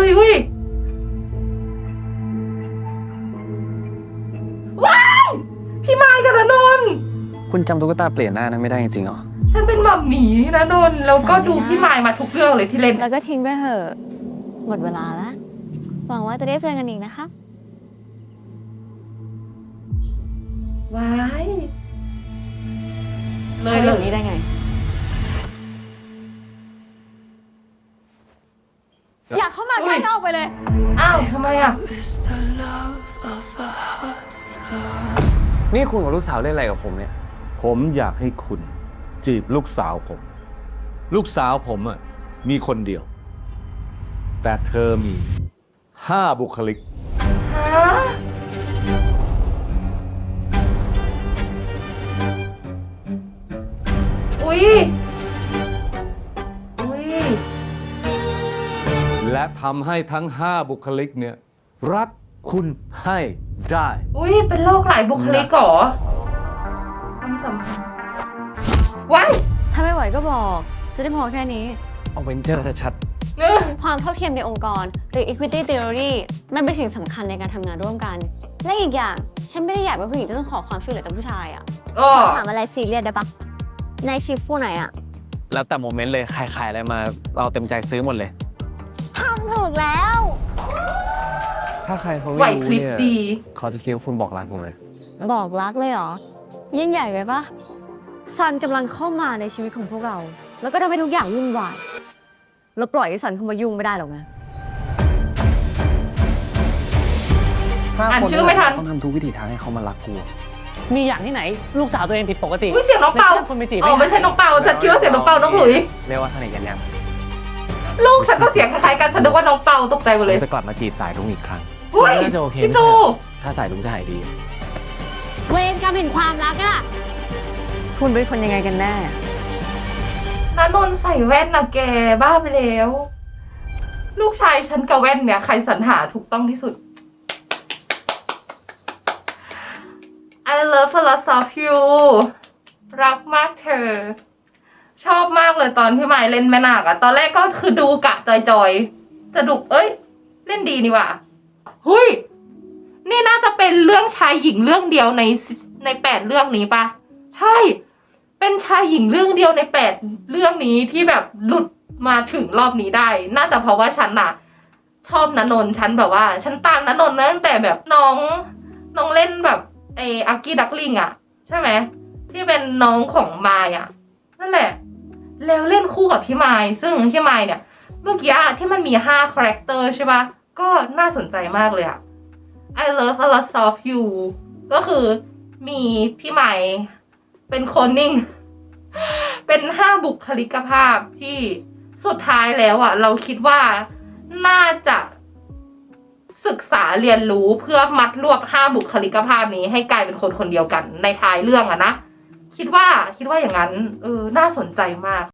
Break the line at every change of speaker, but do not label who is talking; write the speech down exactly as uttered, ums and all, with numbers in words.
ยอุ้ยว้ายพี่ไม้กับณนนท์
คุณจำตุ๊กตาเปลี่ยนหน้านั้นไม่ได้จริงๆเหรอ
ฉันเป็นหม่ำหมีณนนท์แล้วก็ดูพี่ไม้มาทุกเรื่องเลยที่เล่น
แล้วก็ทิ้งไปเถอะหมดเวลาแล้วหวังว่าจะได้เจอกันอีกนะคะ
ว้ายเล
ใช่
ย
แบ
เล
บ
ย
นี้ได้ไงอยากเข้ามาใกล้นอกไปเลย
อ้าวทำไมอ่ะ
นี่คุณกับลูกสาวเล่นอะไรกับผมเนี่ย
ผมอยากให้คุณจีบลูกสาวผม ลูกสาวผมอ่ะมีคนเดียว แต่เธอมีห้าบุคลิก
ฮะอุ้ยอุ้ย
และทำให้ทั้งห้าบุคลิกเนี่ยรักคุณให้ได้
อุ้ยเป็นโรคหลายบุคลิกเหรอความสัมพันธ์ว้าย
ถ้าไม่ไหวก็บอกจะได้พอแค่นี้
เอาเวนเจอร์ชัด
ความเท่าเทียมในองค์กรหรือ equity theory มันเป็นสิ่งสำคัญในการทำงานร่วมกันและอีกอย่างฉันไม่ได้อยากเป็นผู้หญิงที่ต้องขอความช่วยเหลือจากผู้ชายอ่ะถามอะไรซีเรียสได้ปะในชิฟฟูไหนอ่ะ
แล้วแต่โมเมนต์เลยใครขายอะไรมาเราเต็มใจซื้อหมดเลย
ทำถูกแล้ว
ถ้าใครเขาไม่รู้เนี่ยเขาจะคิดว่าคุณบอกรักผมเลย
บอกรักเลยเหรอยิ่งใหญ่ไปปะซันกำลังเข้ามาในชีวิตของพวกเราแล้วก็ทำให้ทุกอย่างวุ่นวายเราปล่อยให้ซันเข้ามายุ่งไม่ได้หรอกนะ
อ่านชื่อไม่ทัน
ต้องทำทุกวิถีทางให้เขามารักกู
มีอย่างที่ไหนลูกสาวตัวเองผิดปกติ
อุ้ยเสียงน้องเปา
คนไปจีบ
อ๋อไม่ใช่น้องเปาฉันคิดว่าเสียงน้องเปาน้องหลุย
เรียกว่าสนิทกันยัง
ลูกฉันก็เสียงคล้ายๆกันฉันนึกว่าน้องเปาตกใจหมดเลย
จะกลับมาจีบสายลุงอีกครั้ง
น่
าจะโอเค
พี่ตู
ถ้าสายลุงจะหายดี
เวรกรรมแห่งความรักอะคุณเป็นคนยังไงกันแน่
ณนนท์ใส่แว่นนะแกบ้าไปแล้วลูกชายฉันกับแว่นเนี่ยใครสรรหาถูกต้องที่สุด I love a lot of you รักมากเธอชอบมากเลยตอนพี่ไม้เล่นแม่นาคอะตอนแรกก็คือดูกะจอยๆจะดุเอ้ยเล่นดีนี่ว่ะหุยนี่น่าจะเป็นเรื่องชายหญิงเรื่องเดียวในในแปดเรื่องนี้ปะใช่เป็นชายหญิงเรื่องเดียวในแปดเรื่องนี้ที่แบบหลุดมาถึงรอบนี้ได้น่าจะเพราะว่าฉันน่ะชอบณนนท์ฉันแบบว่าฉันตามณนนท์ตั้งแต่แบบน้องน้องเล่นแบบไออากี้ดักลิงอะใช่ไหมที่เป็นน้องของมายอะนั่นแหละแล้วเล่นคู่กับพี่ไม้ซึ่งพี่ไม้เนี่ยเมื่อกี้ที่มันมีห้าคาแรคเตอร์ใช่ปะก็น่าสนใจมากเลยอะ I love a lot of you ก็คือมีพี่ไม้เป็นคนนิ่งเป็นห้าบุคลิกภาพที่สุดท้ายแล้วอ่ะเราคิดว่าน่าจะศึกษาเรียนรู้เพื่อมัดรวบห้าบุคลิกภาพนี้ให้กลายเป็นคนคนเดียวกันในท้ายเรื่องอะนะคิดว่าคิดว่าอย่างนั้นเออน่าสนใจมาก